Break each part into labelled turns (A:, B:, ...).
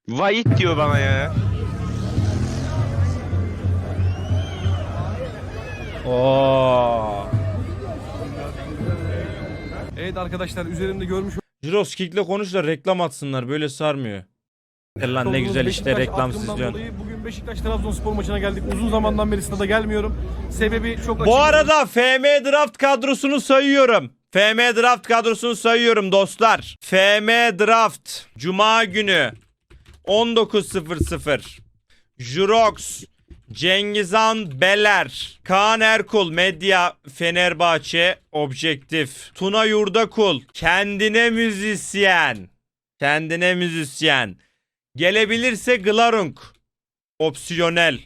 A: Vahit diyor bana ya.
B: Oo.
C: Evet arkadaşlar, üzerimde görmüş
B: Jirox Kick'le konuş da reklam atsınlar. Böyle sarmıyor. Lan ne
C: olduğunuz
B: güzel işte
C: Beşiktaş
B: reklam
C: aklımdan
B: izliyorsun.
C: dolayı bugün Beşiktaş-Trabzonspor maçına geldik. Uzun zamandan beri stada gelmiyorum. Sebebi çok açık.
B: Bu arada FM Draft kadrosunu sayıyorum. FM Draft kadrosunu sayıyorum dostlar. FM Draft Cuma günü 19.00 Jurox, Cengizhan Beler, Kaan Erkul, Medya Fenerbahçe, Objektif, Tuna Yurdakul, kendine müzisyen. Kendine müzisyen. Gelebilirse Glarung, opsiyonel.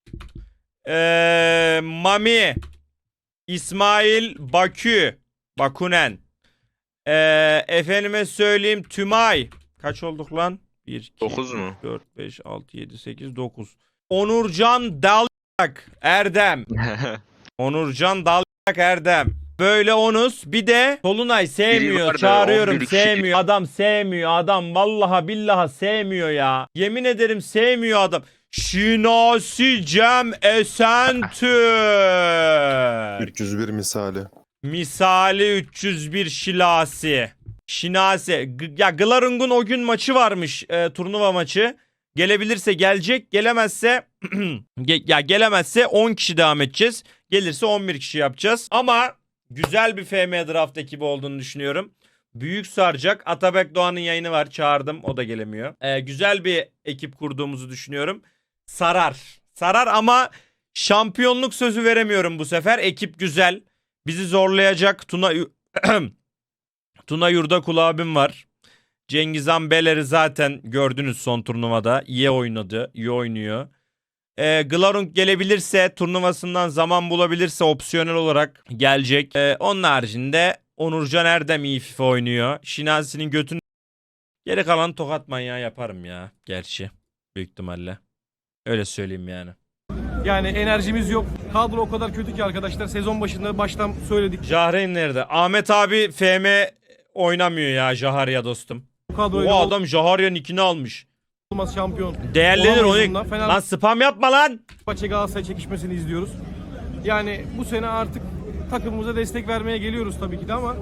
B: Mami, İsmail Bakü, Bakunen. Efendime söyleyeyim Tümay. Kaç olduk lan? 1, 2,
A: 9 mu?
B: 4, 5, 6, 7, 8, 9. Onurcan Dalyak Erdem. Onurcan Dalyak Erdem. Böyle onuz. Bir de Solunay
A: Biri
B: sevmiyor.
A: vardı,
B: Çağırıyorum
A: 11 kişi.
B: sevmiyor. Adam sevmiyor. Adam vallahi billahi sevmiyor ya. Yemin ederim sevmiyor adam. Şinasi Cem Esentürk.
D: 301 misali.
B: Misali 301 Şilasi. Şinasi. Ya Glarung'un o gün maçı varmış. Turnuva maçı. Gelebilirse gelecek. Gelemezse gelemezse 10 kişi devam edeceğiz. Gelirse 11 kişi yapacağız. Ama güzel bir FM Draft ekibi olduğunu düşünüyorum. Büyük saracak. Atabek Doğan'ın yayını var. Çağırdım. O da gelemiyor. Güzel bir ekip kurduğumuzu düşünüyorum. Sarar. Sarar ama şampiyonluk sözü veremiyorum bu sefer. Ekip güzel. Bizi zorlayacak Tuna Yurdakul abim var. Cengizhan Beler'i zaten gördünüz son turnuvada. İyi oynadı. İyi oynuyor. Glarung gelebilirse, turnuvasından zaman bulabilirse opsiyonel olarak gelecek. Onun haricinde Onurcan Erdem iyi FIFA oynuyor. Şinasi'nin götünü geri kalan tokat manyağı yaparım ya. Gerçi. Büyük ihtimalle. Öyle söyleyeyim yani.
C: Yani enerjimiz yok. Kadro o kadar kötü ki arkadaşlar. Sezon başında baştan söyledik.
B: Jahreyn nerede? Ahmet abi FM oynamıyor ya Jaharya dostum.
C: Bu kadroyla
B: O adam Jaharya nickini almış.
C: olmaz şampiyon.
B: Değerlenir
C: Olamayız
B: onu.
C: bundan.
B: Lan spam yapma lan.
C: Fenerbahçe Galatasaray çekişmesini izliyoruz. Yani bu sene artık takımımıza destek vermeye geliyoruz tabii ki de ama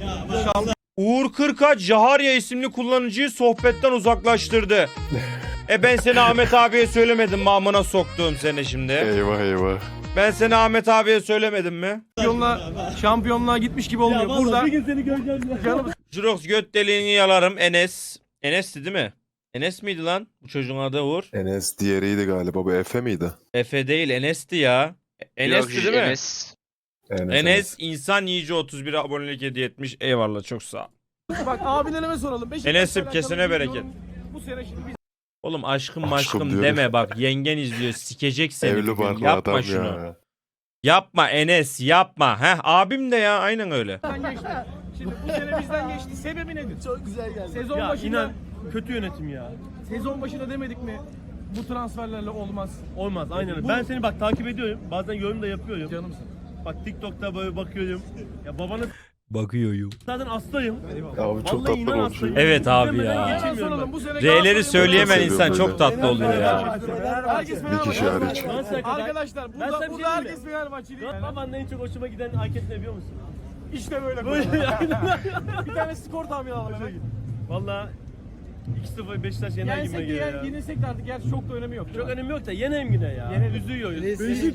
B: Uğur Kırkaç Jaharya isimli kullanıcıyı sohbetten uzaklaştırdı. Ben seni Ahmet abiye söylemedim mi amına soktuğum seni şimdi.
D: Eyvah eyvah.
B: Ben seni Ahmet abiye söylemedim mi?
C: şampiyonluğa gitmiş gibi olmuyor. Burada canım
B: Jirox göt deliğini yalarım Enes. Enes'ti değil mi? Enes miydi lan? Bu çocuğun adı Uğur.
D: Enes diğeriydi galiba. Bu Efe miydi?
B: Efe değil Enes'ti ya. Enes'ti değil mi?
A: Enes.
B: Enes insan yiyici 31 abonelik hediye etmiş. Eyvallah çok sağ ol.
C: bak abilerime soralım. Beşiktaş'la
B: Enes'im,
C: alakalı
B: kesene bereket.
C: yorum. Bu sene şimdi biz
B: Oğlum aşkım
D: Aşkım
B: maşkım
D: diyor.
B: deme bak yengen izliyor sikecek seni. bir
D: Evli
B: gün.
D: barklı
B: Yapma
D: adam
B: şunu.
D: ya.
B: Yapma Enes yapma. Heh abim de ya aynen öyle.
C: geçti. Şimdi bu sene bizden geçti. Sebebi nedir? Çok güzel geldi. Sezon başında
E: Kötü yönetim ya.
C: sezon başında demedik mi? Bu transferlerle olmaz.
E: Olmaz aynen öyle. Ben seni bak takip ediyorum. Bazen yorum da yapıyorum.
C: Canımsın.
E: Bak TikTok'ta böyle bakıyorum. Ya babanı
B: Bakıyorum.
E: zaten hastayım.
D: Abi çok
E: Vallahi
D: tatlı
E: inan
D: olmuş.
E: hastayım.
B: Evet abi
E: İzlemeden
B: ya.
E: geçemiyorum
C: Soralım,
E: ben.
C: bu sene
B: R'leri
C: Galatasaray'ın
B: söyleyemeyen
D: Seviyorum
B: insan
D: böyle.
B: çok tatlı oluyor ya.
C: Herkes
D: Bir kişi
C: Fenerbahçeli.
D: hariç.
E: Galatasaray'a kadar-
C: Arkadaşlar
E: Ben sana
C: burada,
E: bir şey
C: burada
E: diyeyim
C: herkes
E: mi?
C: Fenerbahçeli.
E: Babanın en çok hoşuma giden hareket ne biliyor musun?
C: İşte böyle. Bir tane skor tahmini alalım hemen.
E: Valla 2-0 Beşiktaş yener
C: Yensek
E: gibime
C: de
E: geliyor ya.
C: yenilsek de artık gerçi çok da önemi yok.
E: Çok önemi yok da yeneyim yine ya.
C: Yenelim.
E: Üzüyoruz.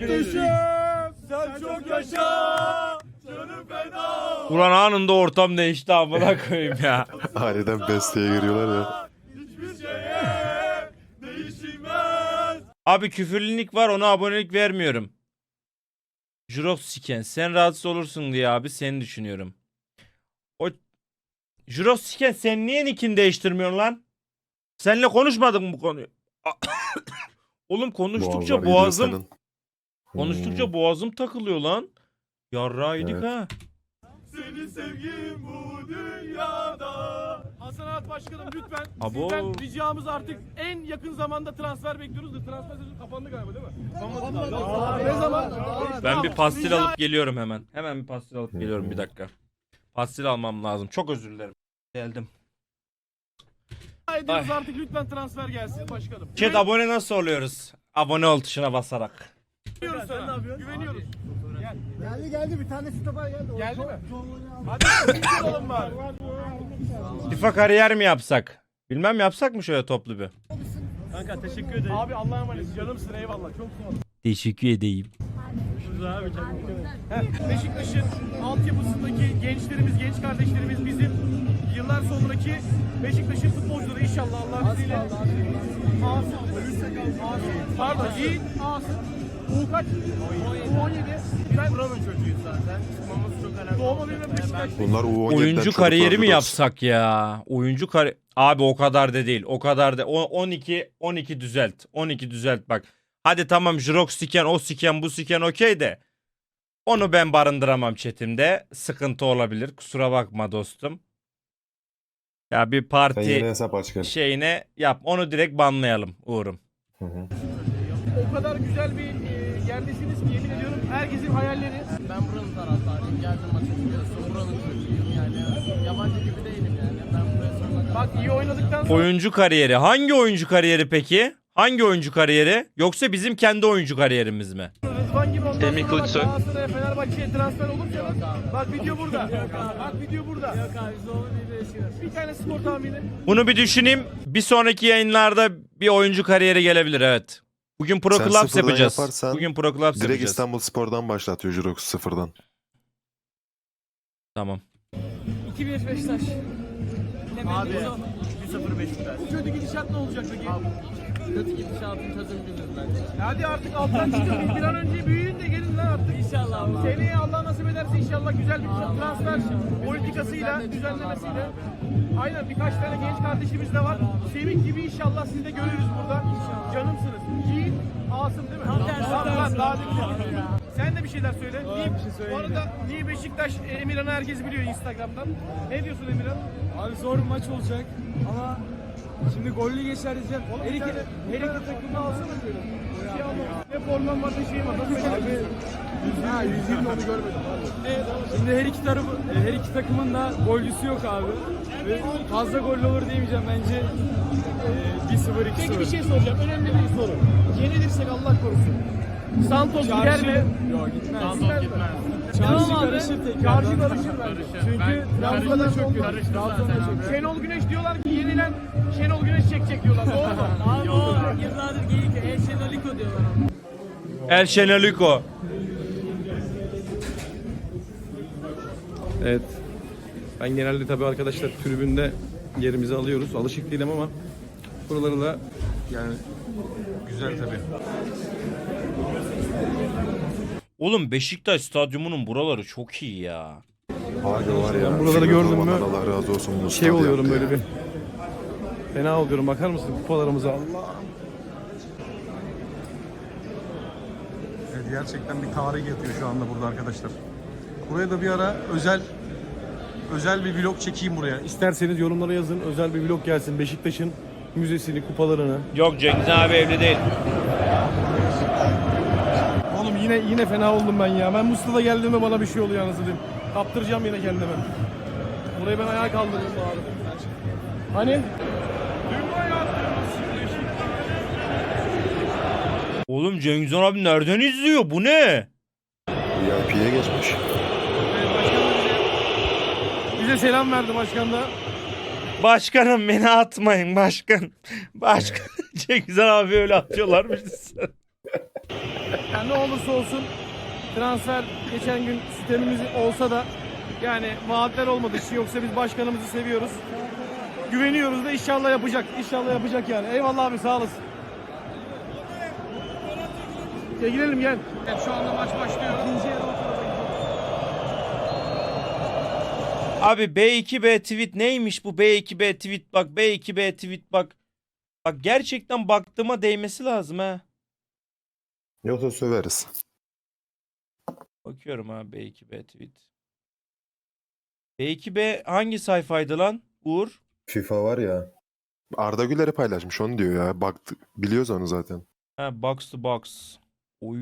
C: Sen çok yaşa.
B: Ulan anında ortam değişti amına koyayım ya.
D: Aniden besteye giriyorlar ya.
B: Abi küfürlülük var ona abonelik vermiyorum. Jurox Siken sen rahatsız olursun diye abi seni düşünüyorum. O Jurox Siken sen niye nickini değiştirmiyorsun lan? Seninle konuşmadık mı bu konuyu? Oğlum konuştukça
D: Boğazlar gidiyor
B: konuştukça
D: senin.
B: boğazım takılıyor lan. Yarrağıydık
D: Evet.
B: ha.
C: Seni sevgim bu dünyada. Hasan Arat Başkanım lütfen
B: Abo.
C: sizden ricamız artık en yakın zamanda transfer bekliyoruz da transfer sezonu kapandı galiba değil mi? Kapanmadı. Ne zaman?
B: Ben bir pastil alıp geliyorum hemen. Hemen bir pastil alıp geliyorum bir dakika. Pastil almam lazım. Çok özür dilerim. Geldim.
C: ediyoruz artık lütfen transfer gelsin başkanım.
B: Chat abone nasıl oluyoruz? Abone ol tuşuna basarak.
C: Güveniyoruz sana. Güveniyoruz.
A: Geldi bir tane stoper geldi.
C: Geldi mi? Hadi bir olalım bari.
B: FIFA kariyer mi yapsak? Bilmem yapsak mı şöyle toplu bir?
E: Kanka teşekkür ederim.
C: Abi Allah'a emanet. Canımsın eyvallah. Çok sağ ol.
B: Teşekkür edeyim.
C: Beşiktaş'ın altyapısındaki gençlerimiz, genç kardeşlerimiz bizim yıllar sonraki Beşiktaş'ın futbolcuları inşallah Allah izniyle. Asım, pardon Yiğit, Asım, U kaç? U17. Ben buranın çocuğuyuz zaten. Çıkmamız çok önemli. Doğma büyüme Beşiktaş.
D: Bunlar U17'den
B: Oyuncu
D: çocuklar
B: kariyeri mi
D: biliyorsun.
B: yapsak ya? Oyuncu Abi o kadar da değil. O kadar da 12 düzelt. 12 düzelt bak. Hadi tamam Jrox siken, o siken, bu siken okey de. Onu ben barındıramam chatimde. Sıkıntı olabilir. Kusura bakma dostum. Ya bir
D: Sen
B: parti
D: yeni hesap aç gel.
B: şeyine yap. Onu direkt banlayalım Uğur'um.
D: Hı hı.
C: O kadar güzel bir yerdesiniz ki yemin ediyorum herkesin hayalleri.
F: Ben buranın taraftarıyım. Geldim maçı biliyorsun. Buranın çocuğuyum yani. Yabancı gibi değilim yani. Ben buraya sonuna
C: Bak iyi oynadıktan sonra
B: Oyuncu kariyeri. Hangi oyuncu kariyeri peki? Hangi oyuncu kariyeri? Yoksa bizim kendi oyuncu kariyerimiz mi?
C: Rıdvan gibi ondan sonra bak Galatasaray'a Fenerbahçe'ye transfer olursanız bak video burada. Bak video burada.
F: Yok abi zorlu bir Beşiktaş.
C: Bir tane skor tahmini.
B: Bunu bir düşüneyim. Bir sonraki yayınlarda bir oyuncu kariyeri gelebilir evet. Bugün Pro
D: Sen
B: Clubs
D: sıfırdan
B: yapacağız.
D: yaparsan
B: Bugün Pro Clubs
D: Direkt
B: yapacağız.
D: İstanbul Spor'dan başlatıyor Jirox sıfırdan.
B: Tamam.
F: 2-1 Beşiktaş.
C: Abi
E: 1-0 Beşiktaş.
C: bu kötü gidişat ne olacak peki?
F: Kötü gidişatın çözüm buluruz bence.
C: Hadi artık alttan çıkın. Bir an önce büyüyün de gelin lan artık.
F: İnşallah abi.
C: Seneye Allah nasip ederse inşallah güzel bir transfer politikasıyla, düzenlemesiyle. Aynen birkaç tane genç kardeşimiz de var. Semih gibi inşallah sizi de görürüz burada. Canımsınız. Yiğit, Asım değil mi? Tamam, daha değil. Sen de bir şeyler söyle. Bu arada niye Beşiktaş Emirhan'ı herkes biliyor Instagram'dan. Ne diyorsun Emirhan?
A: Abi zor bir maç olacak ama şimdi gollü geçer diyeceğim.
C: Her iki takımda alsana böyle. Bir şey almam. Ne formam var ne şeyim var. Nasıl beceremiyorsun? Ha 120 onu görmedim.
A: Şimdi her iki takımın da golcüsü yok abi. Ve fazla gollü olur diyemeyeceğim bence. 1-0 2-0.
C: Peki bir şey soracağım. Önemli bir soru. Yenilirsek Allah korusun. Santos gider mi?
A: Yok gitmez.
C: Santos gitmez.
A: Çarşı karışır tekrar.
C: Çarşı karışır bence. Çünkü Trabzon'da çok kötü. Trabzon'da çok kötü. Şenol Güneş diyorlar ki yenilen Şenol Güneş çekecek diyorlar. Doğru mu?
F: Abi o yıllardır geyik. Eşenoliko diyorlar ona.
B: El Şeneliko.
G: Evet. Ben genelde tabii arkadaşlar tribünde yerimizi alıyoruz. Alışık değilim ama buraları da yani güzel tabii.
B: Oğlum Beşiktaş stadyumunun buraları çok iyi ya.
D: Abi var ya.
G: Ben buraları
D: Figür
G: gördüm mü,
D: Orman'dan Allah razı olsun. bu
G: Şey
D: stadyum
G: oluyorum
D: ya.
G: böyle bir. Fena oluyorum. Bakar mısın kupalarımıza? Allah. Evet, gerçekten bir tarih yatıyor şu anda burada arkadaşlar. Buraya da bir ara özel bir vlog çekeyim buraya. İsterseniz yorumlara yazın. Özel bir vlog gelsin. Beşiktaş'ın müzesini, kupalarını.
B: Yok Cengiz abi evli değil.
C: Oğlum yine fena oldum ben ya. Ben Mustafa'da geldiğimde bana bir şey oluyor anasını diyeyim. Kaptıracağım yine kendime. Burayı ben ayağa kaldırdım abi. Hani?
B: Oğlum Cengiz Han abi nereden izliyor? Bu ne?
D: VIP'ye geçmiş.
C: Bize selam verdi başkan da.
B: Başkanım beni atmayın başkan. Başkan. Cengiz Han abi öyle atıyorlarmış.
C: Yani ne olursa olsun transfer geçen gün sistemimiz olsa da yani vaatler olmadığı için yoksa biz başkanımızı seviyoruz. Güveniyoruz da inşallah yapacak. İnşallah yapacak yani. Eyvallah abi sağ olasın. Gel girelim gel. Evet, şu anda maç başlıyor. İkinci yarı
B: Abi B2B tweet neymiş bu B2B tweet bak B2B tweet bak. Bak gerçekten baktığıma değmesi lazım ha.
D: Yoksa söveriz.
B: Bakıyorum ha B2B tweet. B2B hangi sayfaydı lan Uğur?
D: FIFA var ya. Arda Güler'i paylaşmış onu diyor ya. Baktı, biliyoruz onu zaten.
B: Ha box to box. Oy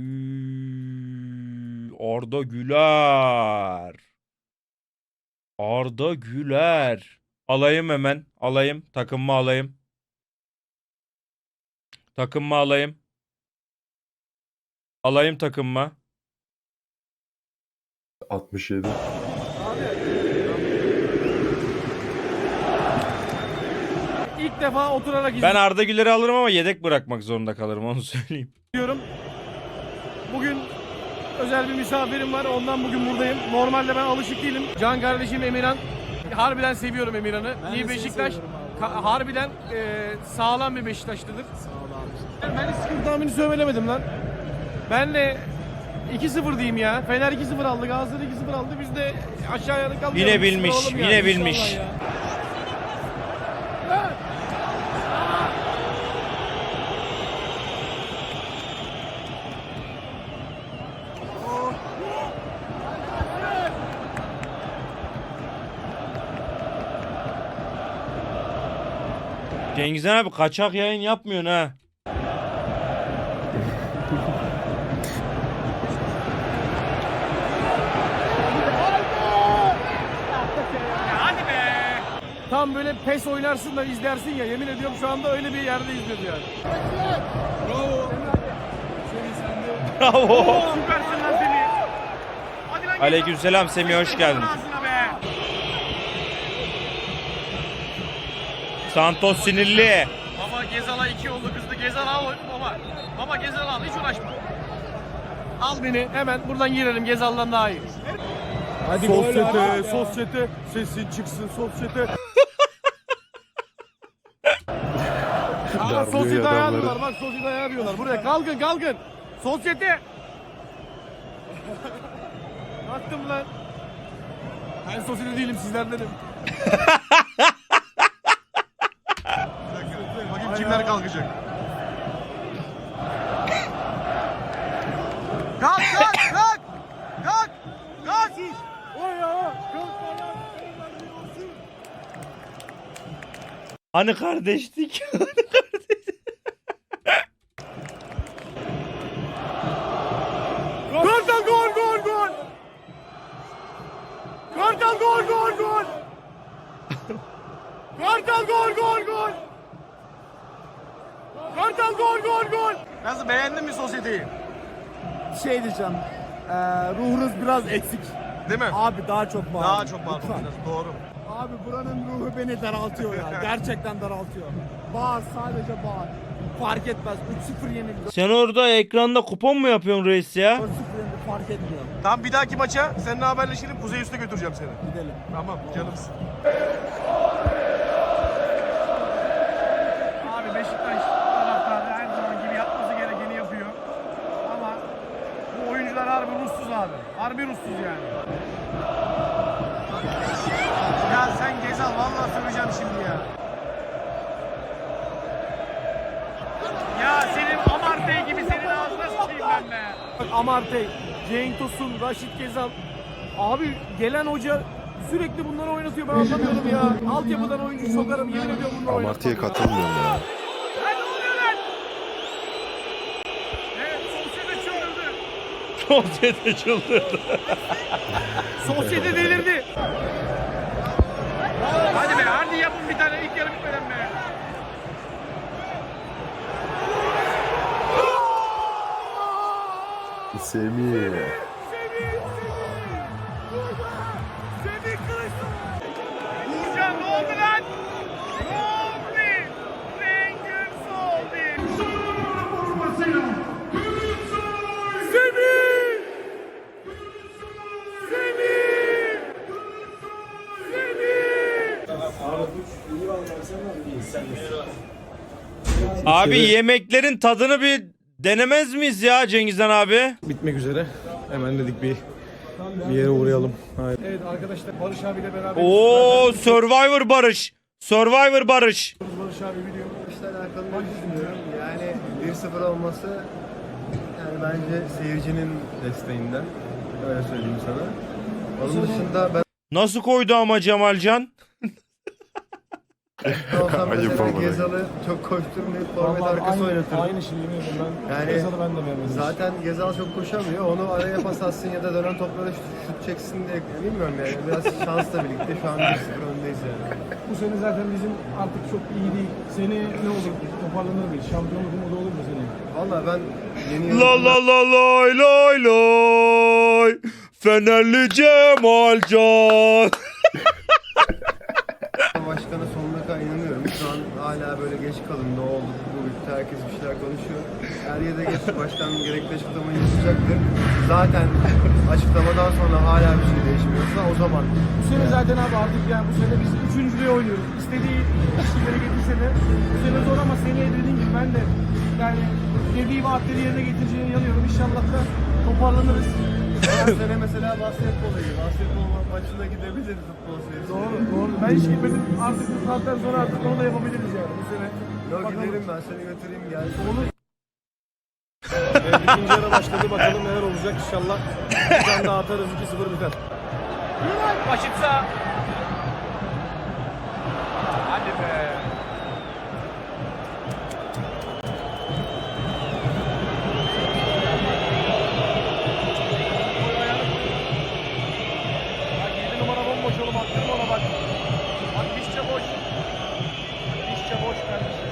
B: Arda Güler. Arda Güler. Alayım hemen. Alayım. Takımımı alayım. Takım mı alayım? Alayım takım mı?
D: 67.
C: İlk defa oturarak
B: Ben Arda Güler'i alırım ama yedek bırakmak zorunda kalırım, onu söyleyeyim.
C: izliyorum. Bugün özel bir misafirim var. Ondan bugün buradayım. Normalde ben alışık değilim. Can kardeşim Emirhan. Harbiden seviyorum Emirhan'ı. Niye Beşiktaş? Harbiden sağlam bir Beşiktaşlıdır. Ben hiç sıkıntı tahmini söylemedim lan. Ben de 2-0 diyeyim ya. Fener 2-0 aldı, Galatasaray 2-0 aldı. Biz de aşağıya kalmayalım.
B: Yine bilmiş,
C: Sıfır olalım
B: yine
C: yani.
B: bilmiş.
C: İnşallah ya.
B: Cengizhan abi kaçak yayın yapmıyorsun ha.
C: Tam böyle pes oynarsın da izlersin ya. Yemin ediyorum şu anda öyle bir yerde izliyoruz yani.
B: Bravo.
C: Süpersin lan seni. Hadi lan.
B: Aleykümselam Semih, hoş geldin.
C: Ağzına be.
B: Santos sinirli.
C: Baba Gezal'a 2 oldu kızdı. Gezal al baba. Baba Gezal al, hiç uğraşma. Al beni hemen buradan girelim, Gezal'dan daha iyi.
G: Hadi sosyete, sosyete, sesin çıksın sosyete.
C: Aa,
D: Darlıyor
C: sosyete
D: adamları.
C: ayarlıyorlar, bak sosyete ayarlıyorlar. Buraya kalkın kalkın. Sosyete. Kalktım lan. Ben sosyete değilim, sizlerdenim.
G: Bakayım kimler kalkacak.
C: Kalk kalk kalk. Kalk. Kalk. Oy ya.
B: Hani kardeşlik?
C: Kartal gol gol gol. Kartal gol gol gol. Kartal gol gol gol. Kartal gol gol gol. Nasıl, beğendin mi sosyeteyi?
H: Şey diyeceğim. Ruhunuz biraz eksik.
C: Değil mi?
H: Abi daha çok bağır.
C: Daha çok bağırmak
H: Lütfen.
C: lazım, doğru.
H: Abi buranın ruhu beni daraltıyor ya. Gerçekten daraltıyor. Bağır, sadece bağır. Fark etmez. 3-0 yenildi.
B: Sen orada ekranda kupon mu yapıyorsun reis ya?
H: 4-0 yenildi, fark etmiyor.
C: Tamam, bir dahaki maça seninle haberleşelim, Kuzey Üstü'ne götüreceğim seni.
H: Gidelim.
C: Tamam canımsın. Abi Beşiktaş taraftarı her zaman gibi yapması gerekeni yapıyor. Ama bu oyuncular harbi ruhsuz abi. Harbi ruhsuz yani. Ya sen Gezal, vallahi söyleyeceğim şimdi ya. Ya senin Amartey gibi, senin ağzına sıçayım ben be. Amartey, Cenk Tosun, Raşit Gezal. Abi gelen hoca sürekli bunları oynatıyor, ben anlamıyorum ya. Altyapıdan oyuncu sokarım, yemin ediyorum bunları
D: Amartya'ya
C: oynatmam.
D: katılmıyorum ya.
C: Lan ne oluyor lan? Evet, sosyete çıldırdı.
B: Sosyete çıldırdı.
C: Sosyete delirdi. Hadi be, hadi yapın bir tane ilk yarı bitmeden be.
D: Semih.
C: Uğurcan ne oldu lan? Ne oldu? Rengin soldu. Semih! Semih! Semih!
B: Abi yemeklerin tadını bir denemez miyiz ya Cengizhan abi?
G: Bitmek üzere. Hemen dedik bir yere uğrayalım. Hayır.
C: Evet arkadaşlar, Barış abiyle beraber
B: Oo, Survivor Barış. Survivor Barış.
C: Barış abi biliyor.
I: İşle alakalı ne düşünüyorum? Yani 1-0 olması yani bence seyircinin desteğinden. Öyle söyleyeyim sana. Onun dışında ben
B: Nasıl koydu ama Cemalcan?
I: olsam
D: Ayıp
I: mesela
D: olmadı.
I: Gezal'ı çok koşturmayıp forvet arkası oynatırım.
G: Aynı şeyi yemin ediyorum ben.
I: Yani
G: Gezal'ı ben de beğenmedim.
I: zaten Gezal çok koşamıyor. Onu araya pas atsın ya da dönen toplara şut çeksin diye bilmiyorum yani. Biraz şansla birlikte şu an 1-0 öndeyiz yani.
G: Bu sene zaten bizim artık çok iyi değil. Seni ne olur? Toparlanır mıyız? Şampiyonluk umudu olur mu seneye?
I: Valla ben yeni
B: La la la lay lay lay. Fenerli Cemalcan.
I: başkana sonuna kadar inanıyorum. Şu an hala böyle geç kalın ne oldu bu bitti herkes bir şeyler konuşuyor. Er ya da geç başkan gerekli açıklamayı yapacaktır. Zaten açıklamadan sonra hala bir şey değişmiyorsa o zaman.
G: Bu sene zaten abi artık yani bu sene biz üçüncülüğe oynuyoruz. İstediği kişileri getirse de bu sene zor ama seneye dediğim gibi ben de yani dediği vaatleri yerine getireceğine inanıyorum. İnşallah da toparlanırız.
I: Her sene mesela basketbola gidiyor. Basketbol maçına gidebiliriz futbol serisi.
G: Doğru. Ben hiç gitmedim. Artık bu saatten sonra artık onu da yapabiliriz yani bu sene.
I: Yok
G: Bakalım.
I: gidelim ben seni götüreyim gel.
G: Olur. İkinci yarı başladı. Bakalım neler olacak inşallah. Bir tane daha atarız 2-0 biter.
C: Başitsa. Hadi be. Bak 7 numara bomboş oğlum, attırma ona bak. Bak dişçe boş. Dişçe boş kardeşim.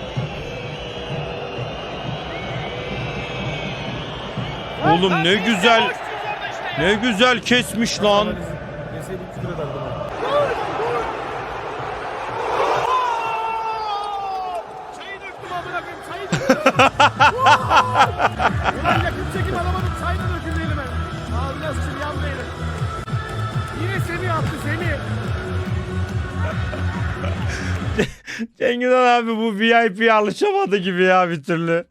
B: Oğlum ne güzel. Ne güzel kesmiş lan.
G: Yeseydik küfür ederdim.
C: Çayı döktüm amına koyayım, çayı döktüm. Ulan yakın çekim alamadım, çay da döküldü elime. Aa biraz şimdi yandı elim. Yine Semih attı, Semih.
B: Cengiz Han abi bu VIP'ye alışamadı gibi ya bir türlü.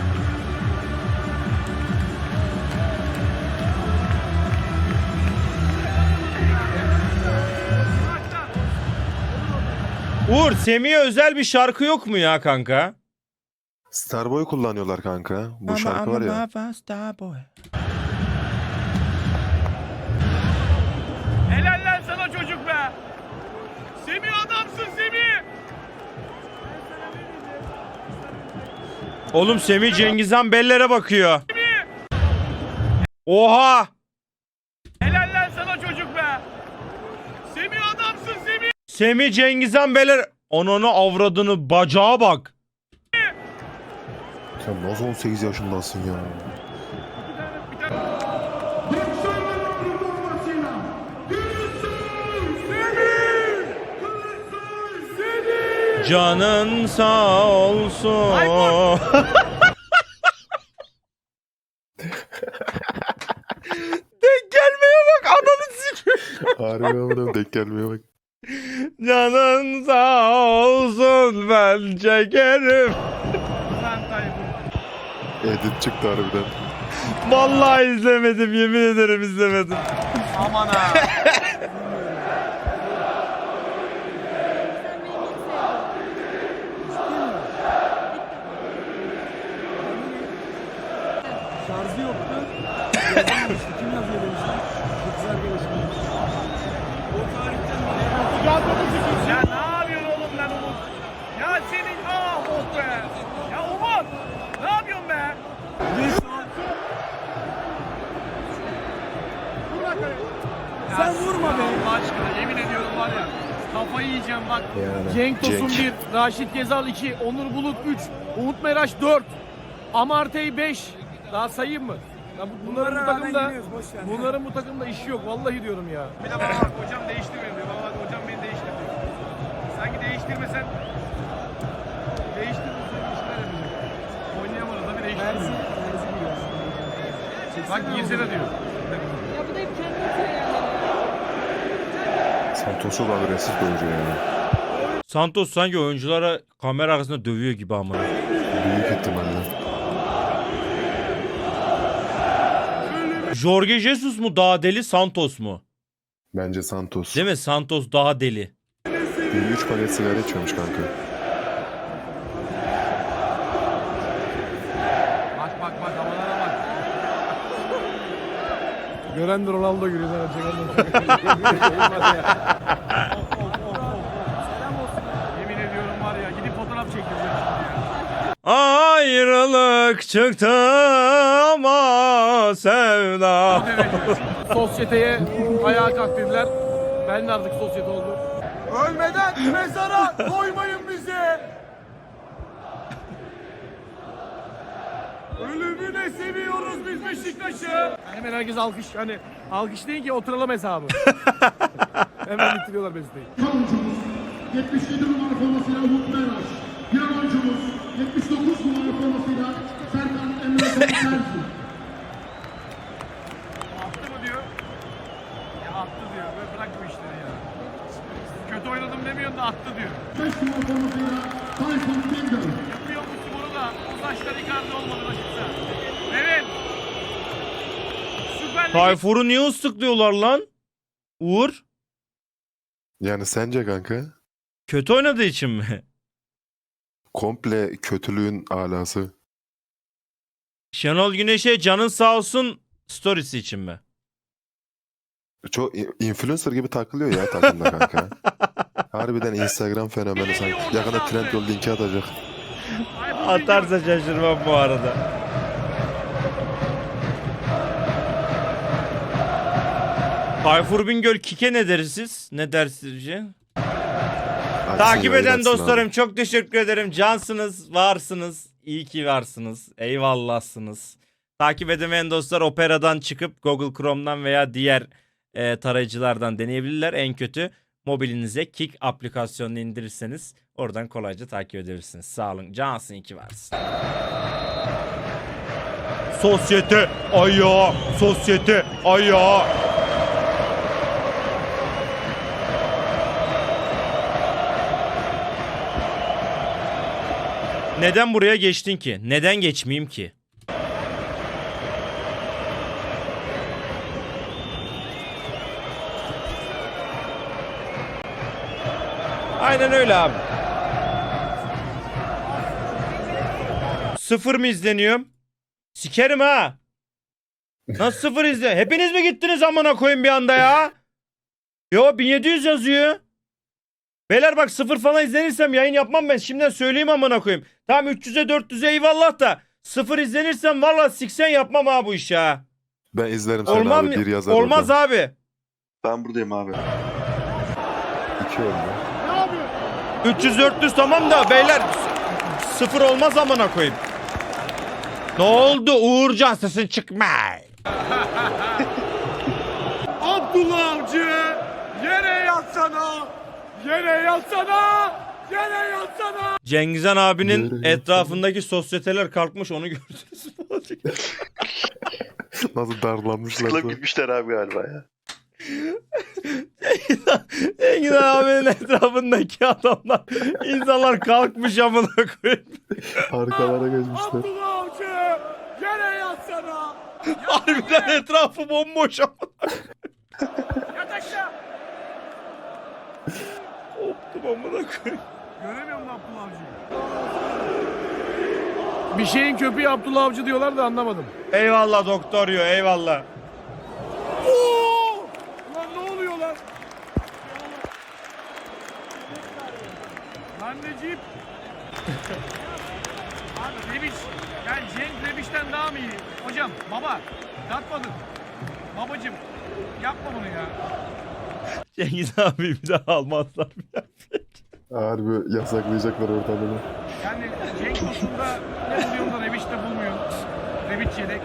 B: Uğur, Semih'e özel bir şarkı yok mu ya kanka?
D: Starboy kullanıyorlar kanka. Bu şarkı var ya.
B: Starboy.
C: Helal lan sana çocuk be. Semih adamsın Semih.
B: Oğlum Semih Cengiz Han bellere bakıyor. Oha!
C: Helal lan sana çocuk be. Semih adamsın Semih.
B: Semih Cengiz Han beller... Ananı avradını bacağa bak.
D: Sen nasıl 18 yaşındasın ya?
B: Canın sağ olsun. Denk gelmeye bak ananı sikiyor.
D: Harbi amına denk gelmeye bak.
B: Canın sağ olsun ben çekerim.
D: Edit çıktı harbiden.
B: Vallahi izlemedim, yemin ederim izlemedim.
C: Aman ha.
G: Şarjı yoktu. Yazamamıştı. Kim yazıyor demişler. Çok güzel arkadaşım demiş. O tarihten beri.
C: Ya ne yapıyorsun oğlum lan Umut? Ya senin oh be. Ya Umut ne yapıyorsun be?
G: Sen vurma be.
C: Allah aşkına yemin ediyorum var ya. Kafayı yiyeceğim bak.
D: Yani.
C: Cenk Tosun 1, Raşit Gezal 2, Onur Bulut 3, Umut Meraş 4, Amartey 5. Daha sayayım mı? Ya bunların bu takımda işi yok. Vallahi diyorum ya. Bir de bana bak hocam değiştirmiyor diyor. Bana bak hocam beni değiştir diyor. Sanki değiştirmesen bir şeyler yapacak. Oynayamadı tabii değiştirmiyor. Bak girsene diyor.
J: Ya bu da hep kendi atıyor yani.
D: Santos çok agresif bir oyuncu yani.
B: Santos sanki oyunculara kamera arkasında dövüyor gibi ama.
D: Büyük ihtimalle.
B: Jorge Jesus mu daha deli, Santos mu?
D: Bence Santos.
B: Değil mi? Santos daha deli.
D: Bir 3 paket sigara içiyormuş kanka.
C: Bak havalara bak.
G: Gören de Ronaldo giriyor.
C: Yemin ediyorum var ya gidip fotoğraf çektireceğim şimdi ya.
B: Ayrılık çıktı ama sevda.
C: Sosyeteye ayağa kalk dediler. Ben de artık sosyete oldum.
H: Ölmeden mezara koymayın bizi. Ölümüne seviyoruz biz Beşiktaş'ı.
C: Hemen herkes alkış. Hani alkış değil ki oturalım hesabı. Hemen bitiriyorlar Beşiktaş'ı.
K: Oyuncumuz 77 numara formasıyla Umut Meraş. Diğer oyuncumuz 79 numara formasıyla Serkan Emre Terzi.
C: Attı mı diyor? Ya attı diyor. Böyle bırak bu işleri ya. Kötü oynadım demiyorsun da attı diyor.
K: 5 numara formasıyla Tayfun Bingöl.
C: Yapıyor bu sporu da o saçlar Icardi olmadı başımıza. Evet. Süper Lig.
B: Tayfur'u niye ıslıklıyorlar lan? Uğur.
D: Yani sence kanka?
B: Kötü oynadığı için mi?
D: Komple kötülüğün alası.
B: Şenol Güneş'e canın sağ olsun storiesi için mi?
D: Çok influencer gibi takılıyor ya takımda kanka. Harbiden Instagram fenomeni sanki. Yakında Trendyol linki atacak.
B: Atarsa şaşırmam bu arada. Tayfur Bingöl Kike ne dersiniz? Ne dersiniz?
D: Hadi
B: Takip
D: sen
B: eden
D: yayınlatsın
B: dostlarım
D: abi.
B: çok teşekkür ederim. Cansınız, varsınız. İyi ki varsınız. Eyvallahsınız. Takip edemeyen dostlar Opera'dan çıkıp Google Chrome'dan veya diğer tarayıcılardan deneyebilirler. En kötü mobilinize Kik aplikasyonunu indirirseniz oradan kolayca takip edebilirsiniz. Sağ olun. Cansın, iyi ki varsın. Sosyete ayağı, sosyete ayağı. Neden buraya geçtin ki? Neden geçmeyeyim ki? Aynen öyle abi. Sıfır mı izleniyorum? Sikerim ha. Nasıl sıfır izle? Hepiniz mi gittiniz amına koyayım bir anda ya? Yo 1700 yazıyor. Beyler bak sıfır falan izlenirsem yayın yapmam ben. Şimdiden söyleyeyim amına koyayım. Tamam 300'e 400'e eyvallah da sıfır izlenirsem valla siksen yapmam ha bu işi ha.
D: Ben izlerim seni
B: Olmaz
D: abi.
B: mı?
D: Bir yazar
B: Olmaz
D: orada.
B: abi.
D: Ben buradayım abi. 2 oldu.
B: 300-400 tamam da beyler sıfır olmaz amına koyayım. Ne oldu Uğurcan sesin çıkmay.
H: Abdullah Avcı yere yatsana. Yere yatsana. Yere yatsana.
B: Cengizhan abinin
D: Yürü,
B: etrafındaki sosyeteler kalkmış onu gördünüz mü?
D: Nasıl darlanmışlar.
L: Kılıp gitmişler abi galiba ya.
B: Cengizhan abinin etrafındaki adamlar insanlar kalkmış amına koyayım.
D: Arkalara geçmişler.
H: Abdullah Avcı yere yatsana.
B: Harbiden etrafı bomboş amına.
C: Yat aşağı.
B: Koptum amına koyayım.
C: Göremiyor musun Abdullah Avcı'yı? Bir şeyin köpeği Abdullah Avcı diyorlar da anlamadım.
B: Eyvallah doktor yo eyvallah.
H: Oo! Lan ne oluyor lan?
C: Lan Necip. Abi Rebic. Yani Cenk Rebic'ten daha mı iyi? Hocam baba. Yatmadın. Babacım. Yapma bunu ya.
B: Cengiz abi bir daha almazlar mı ya?
D: Harbi yasaklayacaklar ortalığı.
C: Yani Cenk konusunda ne buluyorsun da Rebic'te bulmuyorsun. Rebic yedek.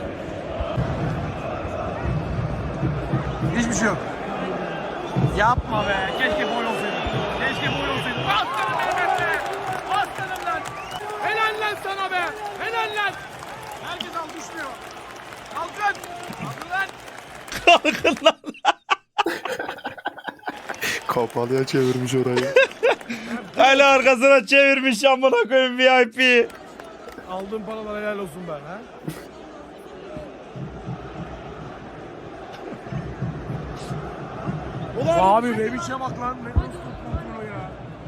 C: Hiçbir şey yok. Yapma be. Keşke boy olsaydı. Keşke boy olsaydı. Bastırın Mehmet be. Bastırın lan. Helal lan sana be. Helal lan. Herkes alkışlıyor. Kalkın. Kalkın lan.
B: Kalkın lan.
D: Kapalıya çevirmiş orayı.
B: Hala arkasına çevirmiş amına koyayım VIP.
C: Aldığın paralar helal olsun ben ha. Abi Rebic'e bak lan. Ne nasıl tutmuyor ya.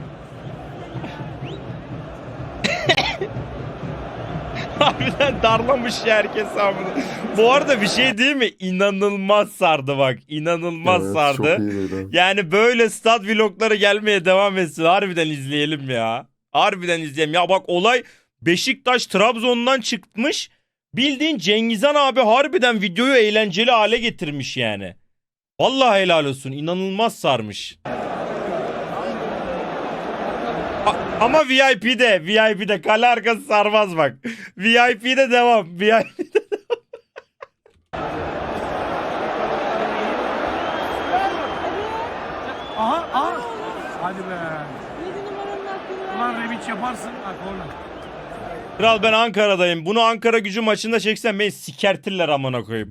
B: Harbiden darlamış ya herkes amına. Bu arada bir şey değil mi? İnanılmaz sardı bak. İnanılmaz
D: Evet,
B: sardı.
D: çok iyiydi.
B: Yani böyle stat vlogları gelmeye devam etsin. Harbiden izleyelim ya. Harbiden izleyelim. Ya bak olay Beşiktaş Trabzon'dan çıkmış. Bildiğin Cengizhan abi harbiden videoyu eğlenceli hale getirmiş yani. Vallahi helal olsun. İnanılmaz sarmış. Ama VIP'de kale arkası sarmaz bak. VIP'de devam. VIP'de.
C: Aha. Hadi be.
J: 7 numaranın hakkını ver.
C: Ulan Rebic yaparsın. Ha korner.
B: Kral ben Ankara'dayım. Bunu Ankara Gücü maçında çeksen beni sikertirler amına koyayım.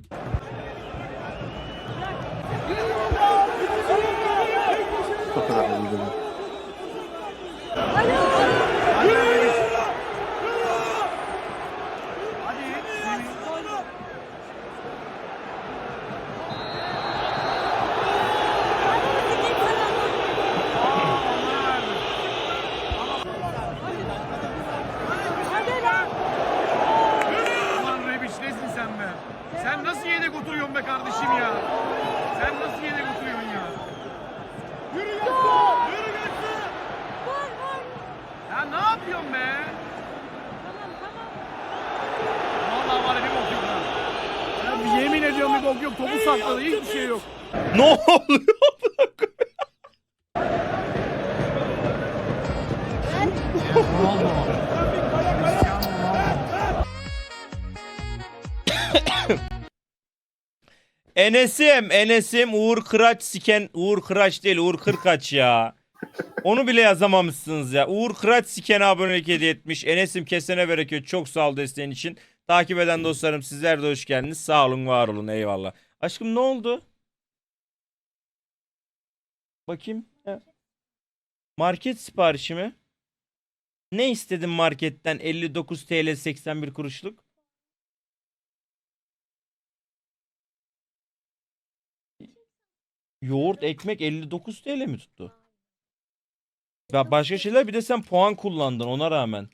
D: O kadar da değil.
C: Hadi Rebic. Hadi. Ulan Rebic nesin sen be? Sen nasıl yedek oturuyorsun be kardeşim ya? Sen nasıl yedek oturuyorsun ya? Yürü geçsin! Yürü geçsin! Ya ne yapıyorsun be? Vallahi var ya bir bok yok ha. Ya yemin ediyorum bir bok yok. Topu sakladı. Hiçbir şey yok.
B: Ne oluyor? Enes'im Uğur Kıraç siken Uğur Kıraç değil Uğur Kırkaç ya. Onu bile yazamamışsınız ya. Uğur Kıraç sikene abonelik hediye etmiş. Enes'im kesene bereket. Çok sağ ol desteğin için. Takip eden dostlarım sizler de hoş geldiniz. Sağ olun var olun eyvallah. Aşkım ne oldu? Bakayım. Market siparişi mi? Ne istedin marketten 59 TL 81 kuruşluk? Yoğurt, ekmek 59 TL mi tuttu? Ya başka şeyler bir de sen puan kullandın ona rağmen.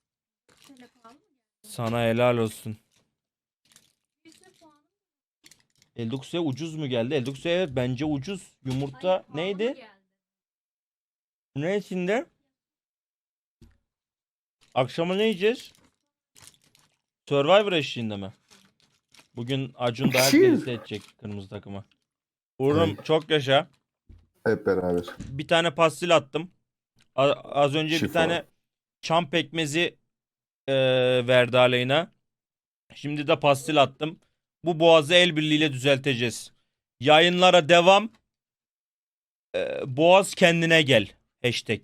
B: Sana helal olsun. 59 TL ucuz mu geldi? 59 TL evet bence ucuz. Yumurta neydi? Ne içinde? Akşama ne yiyeceğiz? Survivor eşliğinde mi? Bugün Acun da herkesi seçecek kırmızı takıma. Uğur'um çok yaşa.
D: Hep beraber.
B: Bir tane pastil attım. Az önce
D: Şifa.
B: bir tane çam pekmezi verdi aleyna. Şimdi de pastil attım. Bu boğazı el birliğiyle düzelteceğiz. Yayınlara devam. Boğaz kendine gel. Hashtag.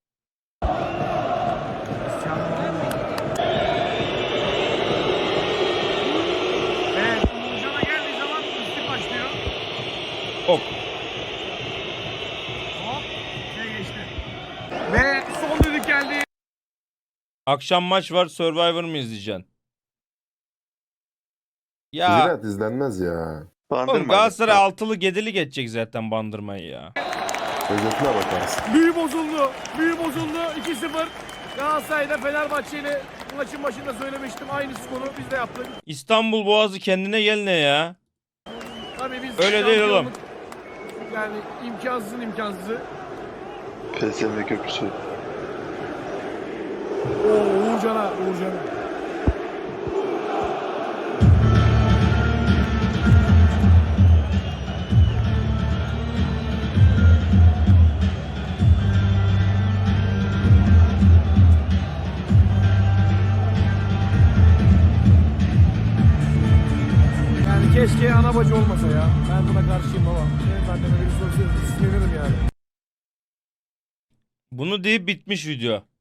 C: Evet, Uğurcan'a geldiği zaman üstü başlıyor.
B: Ok.
C: Hop, geçti. Ve son düdük geldi.
B: Akşam maç var. Survivor mu izleyeceksin? Ya
D: Ziraat izlenmez ya.
B: oğlum Galatasaray altılı gedili geçecek zaten bandırmayı ya.
D: Özetine bakarsın.
C: Büyü bozuldu. Büyü bozuldu. 2-0. Galatasaray'da Fenerbahçe ile maçın başında söylemiştim. Aynı skoru biz de yaptık.
B: İstanbul Boğazı kendine gel ne ya?
C: Tabii biz
B: Öyle değil oğlum.
C: şampiyonluk- Yani imkansızın imkansızı.
D: PSV köprüsü.
C: Uğurcan'a. Yani keşke ana bacı olmasa ya. Ben buna karşıyım baba. Benim anneme biri sorsaydı sinirlenirim yani.
B: Bunu deyip bitmiş video.